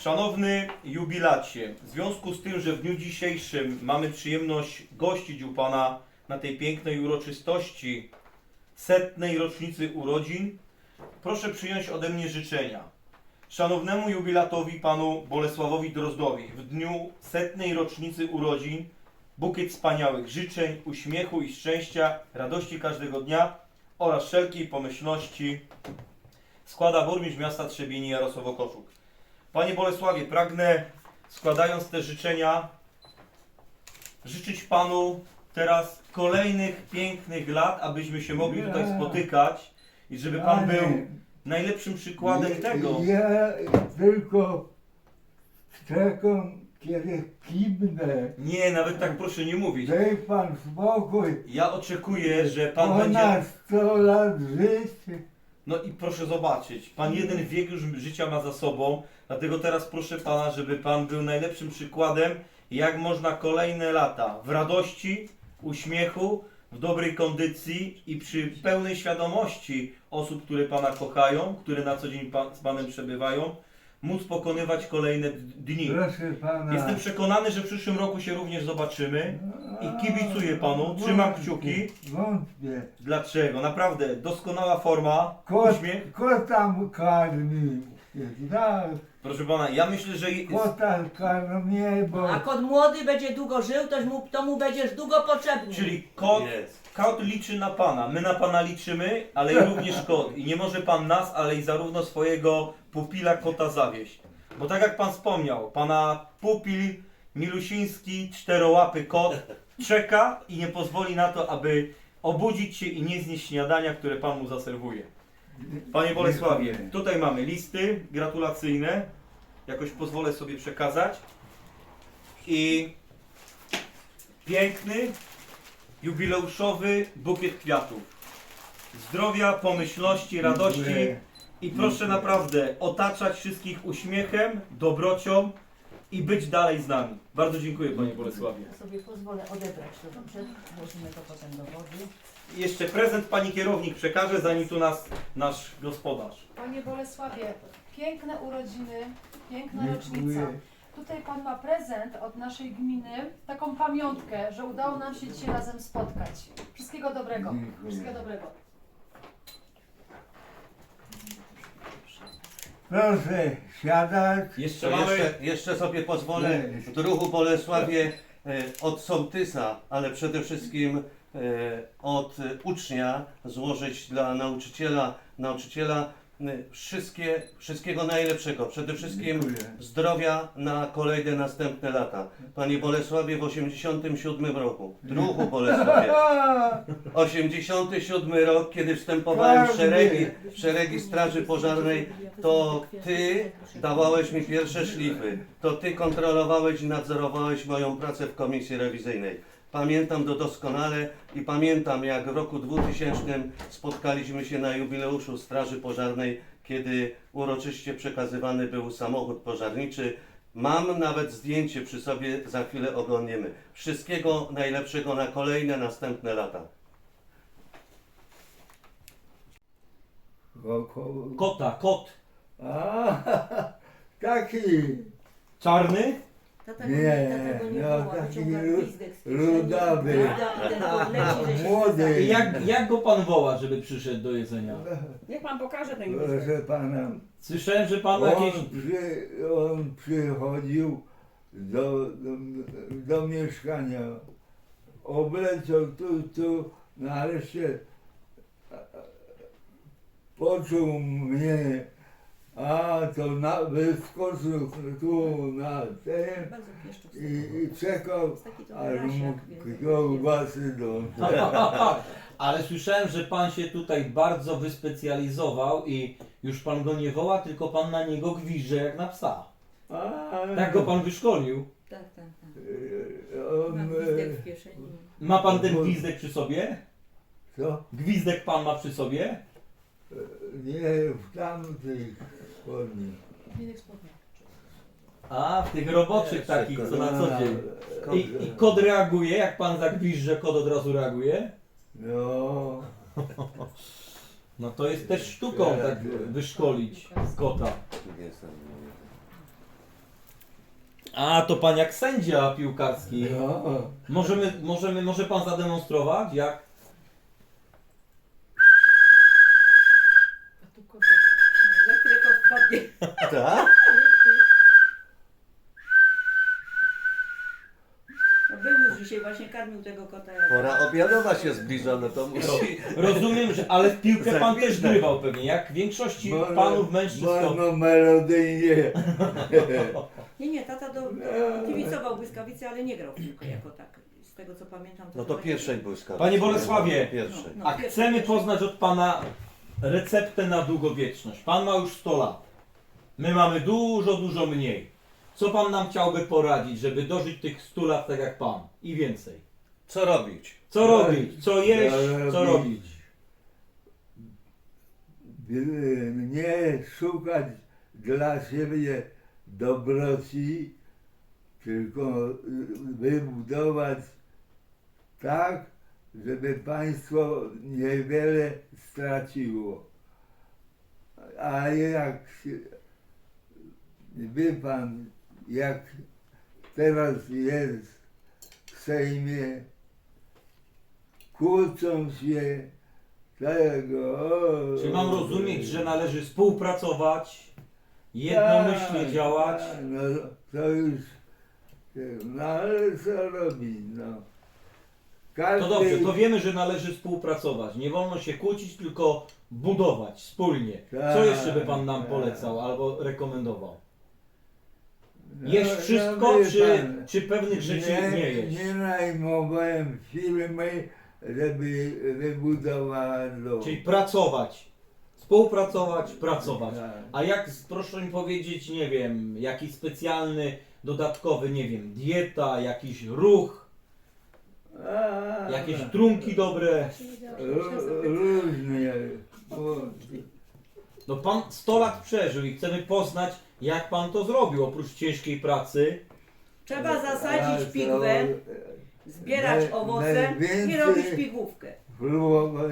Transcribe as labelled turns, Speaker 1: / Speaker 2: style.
Speaker 1: Szanowny jubilacie, w związku z tym, że w dniu dzisiejszym mamy przyjemność gościć u Pana na tej pięknej uroczystości 100. rocznicy urodzin, proszę przyjąć ode mnie życzenia. Szanownemu jubilatowi Panu Bolesławowi Drozdowi w dniu 100. rocznicy urodzin bukiet wspaniałych życzeń, uśmiechu i szczęścia, radości każdego dnia oraz wszelkiej pomyślności składa burmistrz miasta Trzebieni Jarosław Okoszuk. Panie Bolesławie, pragnę, składając te życzenia, życzyć Panu teraz kolejnych pięknych lat, abyśmy się mogli tutaj spotykać i żeby Pan był najlepszym przykładem tego.
Speaker 2: Ja tylko czekam, kiedy kimnę.
Speaker 1: Nie, nawet tak proszę nie mówić.
Speaker 2: Daj Pan spokój.
Speaker 1: Ja oczekuję, że Pan będzie...
Speaker 2: Ponad 100 lat życia.
Speaker 1: No i proszę zobaczyć, Pan jeden wiek już życia ma za sobą, dlatego teraz proszę Pana, żeby Pan był najlepszym przykładem, jak można kolejne lata w radości, uśmiechu, w dobrej kondycji i przy pełnej świadomości osób, które Pana kochają, które na co dzień z Panem przebywają, móc pokonywać kolejne dni.
Speaker 2: Proszę Pana.
Speaker 1: Jestem przekonany, że w przyszłym roku się również zobaczymy i kibicuję Panu, trzymam kciuki.
Speaker 2: Wątpię.
Speaker 1: Dlaczego? Naprawdę, doskonała forma, uśmiech.
Speaker 2: Kota karmi. Tak,
Speaker 1: Proszę Pana, ja myślę, że...
Speaker 2: kota karmię, bo...
Speaker 3: A kot młody będzie długo żył, to mu będziesz długo potrzebny.
Speaker 1: Czyli kot liczy na Pana, my na Pana liczymy, ale i również kot. I nie może Pan nas, ale i zarówno swojego pupila kota zawieść. Bo tak jak Pan wspomniał, Pana pupil milusiński, czterołapy kot czeka i nie pozwoli na to, aby obudzić się i nie znieść śniadania, które Pan mu zaserwuje. Panie Bolesławie, tutaj mamy listy gratulacyjne. Jakoś pozwolę sobie przekazać. I piękny, jubileuszowy bukiet kwiatów. Zdrowia, pomyślności, radości i proszę naprawdę otaczać wszystkich uśmiechem, dobrocią i być dalej z nami. Bardzo dziękuję Panie Bolesławie.
Speaker 3: Ja sobie pozwolę odebrać to, dobrze? Włożymy to potem do wody.
Speaker 1: I jeszcze prezent Pani kierownik przekaże, zanim tu nas nasz gospodarz.
Speaker 4: Panie Bolesławie, piękne urodziny, piękna rocznica.
Speaker 2: Dziękuję.
Speaker 4: Tutaj Pan ma prezent od naszej gminy, taką pamiątkę, że udało nam się dzisiaj razem spotkać. Wszystkiego dobrego.
Speaker 2: Dziękuję.
Speaker 4: Wszystkiego dobrego.
Speaker 2: Proszę siadać.
Speaker 1: Jeszcze
Speaker 5: To
Speaker 1: mamy...
Speaker 5: jeszcze sobie pozwolę w druhu Bolesławie od sołtysa, ale przede wszystkim od ucznia złożyć dla nauczyciela wszystkiego najlepszego. Przede wszystkim
Speaker 2: Dziękuję.
Speaker 5: zdrowia na kolejne następne lata. Panie Bolesławie, w 87 roku, druhu Bolesławie, 87 rok, kiedy wstępowałem w szeregi Straży Pożarnej, to Ty dawałeś mi pierwsze szlify, to Ty kontrolowałeś i nadzorowałeś moją pracę w komisji rewizyjnej. Pamiętam to doskonale i pamiętam, jak w roku 2000 spotkaliśmy się na jubileuszu Straży Pożarnej, kiedy uroczyście przekazywany był samochód pożarniczy. Mam nawet zdjęcie przy sobie, za chwilę oglądniemy. Wszystkiego najlepszego na kolejne, następne lata.
Speaker 1: Kot.
Speaker 2: A, taki.
Speaker 1: Czarny?
Speaker 3: Tata
Speaker 2: Nie,
Speaker 3: go nie
Speaker 2: no
Speaker 3: woła,
Speaker 2: taki
Speaker 3: wyciąga gwizdek z kieszeni.
Speaker 2: rudawy.
Speaker 3: Ruda, ten odleci, że się
Speaker 2: Młody.
Speaker 1: I jak go Pan woła, żeby przyszedł do jedzenia?
Speaker 3: Niech pan pokaże ten
Speaker 2: Proszę
Speaker 3: gwizdek.
Speaker 2: Pana,
Speaker 1: Słyszałem, że Pan jakieś...
Speaker 2: on przychodził do mieszkania, obleciał tu, nareszcie poczuł mnie, to wyskoczył tu na ten
Speaker 3: Bardzo pieszczot.
Speaker 2: i czekał,
Speaker 3: Taki to
Speaker 2: aż
Speaker 3: wyraźnie,
Speaker 2: mu
Speaker 3: jak więcej.
Speaker 2: kiełbasy do...
Speaker 1: Ale słyszałem, że Pan się tutaj bardzo wyspecjalizował i już Pan go nie woła, tylko Pan na niego gwizdże jak na psa. Tak go Pan wyszkolił.
Speaker 3: Tak.
Speaker 2: On,
Speaker 3: Ma gwizdek w kieszeni.
Speaker 1: Ma Pan ten gwizdek przy sobie?
Speaker 2: co?
Speaker 1: Gwizdek Pan ma przy sobie?
Speaker 2: Nie, w tamtych spodni.
Speaker 4: Gwizdek spodnia.
Speaker 1: A, w tych roboczych takich, co na co dzień.
Speaker 2: A,
Speaker 1: I kod reaguje, jak Pan zagwizdże, kod od razu reaguje?
Speaker 2: No,
Speaker 1: No to jest też sztuką tak wyszkolić kota. A, to pan jak sędzia piłkarski.
Speaker 2: No.
Speaker 1: Może pan zademonstrować, jak?
Speaker 3: Za chwilę kot wpadnie.
Speaker 5: Tak?
Speaker 3: No był już dzisiaj, właśnie karmił tego kota.
Speaker 5: Pora obiadowa się zbliża, no to musi...
Speaker 1: Rozumiem, że ale w piłkę pan też
Speaker 5: Zapięte.
Speaker 1: grywał pewnie, jak większości panów mężczyzn. to-
Speaker 2: No melodyjnie.
Speaker 3: Nie, tata kibicował błyskawicy, ale nie grał w piłkę jako tak. Z tego co pamiętam.
Speaker 5: No to
Speaker 3: chyba
Speaker 5: pierwszej błyskawicy.
Speaker 1: Panie Bolesławie,
Speaker 5: Pierwszej.
Speaker 3: No,
Speaker 1: A chcemy poznać od pana receptę na długowieczność. Pan ma już 100 lat. My mamy dużo mniej. Co pan nam chciałby poradzić, żeby dożyć tych 100 lat tak jak pan? I więcej.
Speaker 5: Co robić?
Speaker 1: Co robić? Co jeść? Co robić?
Speaker 2: Nie szukać dla siebie dobroci, tylko wybudować tak, żeby państwo niewiele straciło. A jak wie pan, jak teraz jest w Sejmie, kłócą się tego.
Speaker 1: Czy mam rozumieć, że należy współpracować, jednomyślnie
Speaker 2: Tak,
Speaker 1: działać?
Speaker 2: tak, no to już, no ale co robić, no. Każdy,
Speaker 1: To dobrze, to wiemy, że należy współpracować. Nie wolno się kłócić, tylko budować wspólnie. Co
Speaker 2: Tak,
Speaker 1: jeszcze by pan nam
Speaker 2: tak.
Speaker 1: polecał albo rekomendował?
Speaker 2: no,
Speaker 1: Jeść wszystko,
Speaker 2: wie pan,
Speaker 1: czy pewnych rzeczy nie jeść?
Speaker 2: Nie najmowałem firmy, żeby wybudowała dom.
Speaker 1: Czyli pracować, współpracować, pracować.
Speaker 2: Tak.
Speaker 1: A jak, proszę mi powiedzieć, nie wiem, jakiś specjalny, dodatkowy, nie wiem, dieta, jakiś ruch,
Speaker 2: A,
Speaker 1: jakieś trunki dobre.
Speaker 2: Różnie.
Speaker 1: No pan 100 lat przeżył i chcemy poznać, jak pan to zrobił, oprócz ciężkiej pracy.
Speaker 3: Trzeba zasadzić pigwę, zbierać
Speaker 2: naj-
Speaker 3: owoce i
Speaker 2: najwięcej-
Speaker 3: robić pigłówkę.
Speaker 2: Próbować